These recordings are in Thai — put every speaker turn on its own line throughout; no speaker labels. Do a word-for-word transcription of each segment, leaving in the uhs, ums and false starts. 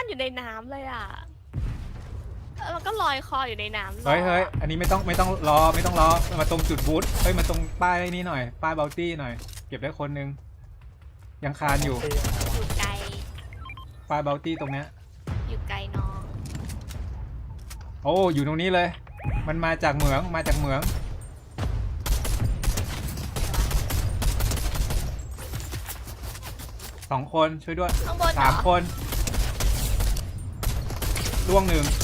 นอยู่ในน้ำเลยอ่ะแล้วก็ลอยคออยู่ในน้ำ
เฮ้ยเฮ้ยอันนี้ไม่ต้องไม่ต้องรอไม่ต้องรอมาตรงจุดบูธเฮ้ยมาตรงป้ายนี้หน่อยป้ายเบลตี้หน่อยเก็บได้คนนึงยังคานอยู่
อยู่ไกล
ป้ายเบลตี้ตรงเนี้ย
อยู่ไกลน้อง
โอ้อยู่ตรงนี้เลยมันมาจากเหมืองมาจากเหมืองสองคนช่วยด้วย
ข้างบนเหรอ
สามคนล่วงหนึ่ง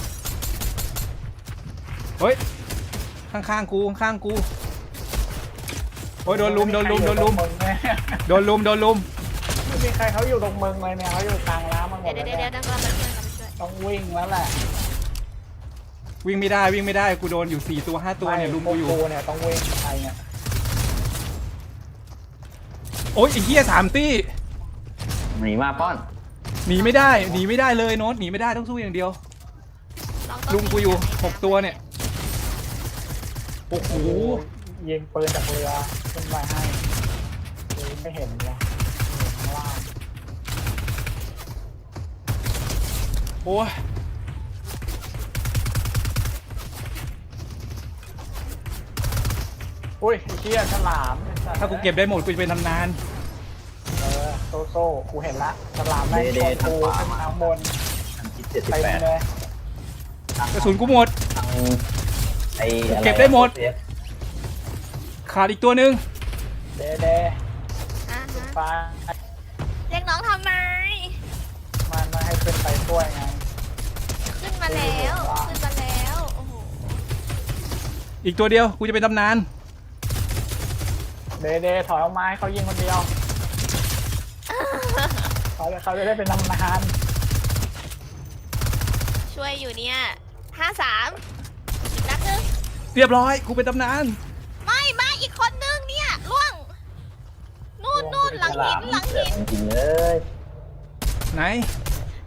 เฮ้ยข้างๆกูข้างๆกูโอ้ยโดนลุมโดนลุมโดนลุมโดนลุมโดนลุม
ไม่มีใครเขาอยู่ตรงเมืองเลยเนี่ยเขาอยู่กลางน้ำมันหม
เดี๋ย
ด
ว
เล
เดี๋ยวย เดี๋ยว
เนี่ย
เดี๋ยวเราไปช่วยเราไปช่วย
ต้องวิ่งแล้วแหละ
วิ่งไม่ได้วิ่งไม่ได้กูโดนอยู่สี่ตัวห้าตัวเนี่ยลุมกูอยู่
กูเนี่ยต้องวิ่งไปเนี่ย
โอ้ยไอ้เหี้ยสามตี้
หนีมาป้อน
หนีไม่ได้หนีไม่ได้เลยโน้ตหนีไม่ได้ต้องสู้อย่างเดียว
น้องต้อง
ลุมกูอยู่หกตัวเนี่ยโอ้โห
ยิงปืนจากเรือขึ้นไปให้ยิงไม่เห็นเลยข้างล่าง
โอ้ย
อุ้ยไอ้เชี่ยฉลาม
ถ้ากูเก็บได้หมดกูจะเป็นตำนาน
เออโซโซ่กูเห็นละฉลามแม่งชนกูขึ้นมาข้างบน
ทางทิศเจ็ดสิบ
เต็ม
แปด
เลย
กระสุนกูหมด
ทางไอ้อะร
เก็บได้หมด ขาดอีกตัวหนึ่ง
เดเด
อ่าฮะ
ไป
เรียกน้องทำไม
มันมาให้ขึ้นไปช่วยไง
ขึ้นมาแล้วขึ้นมาแล้วโอ้โห
อีกตัวเดียวกูจะเป็นตำนาน
เดเดถอยออกมาให้เขายิงคนเดียวเขาจะเขาจะได้เป็นตำนาน
ช่วยอยู่เนี่ยห้าสามอีกนัดนึง
เรียบร้อยกูเป็นตำนาน
ไม่มาอีกคนนึงเนี่ยล่วงนู่นนู่นหลังหินหลังหิน
จริงๆเลย
ไหน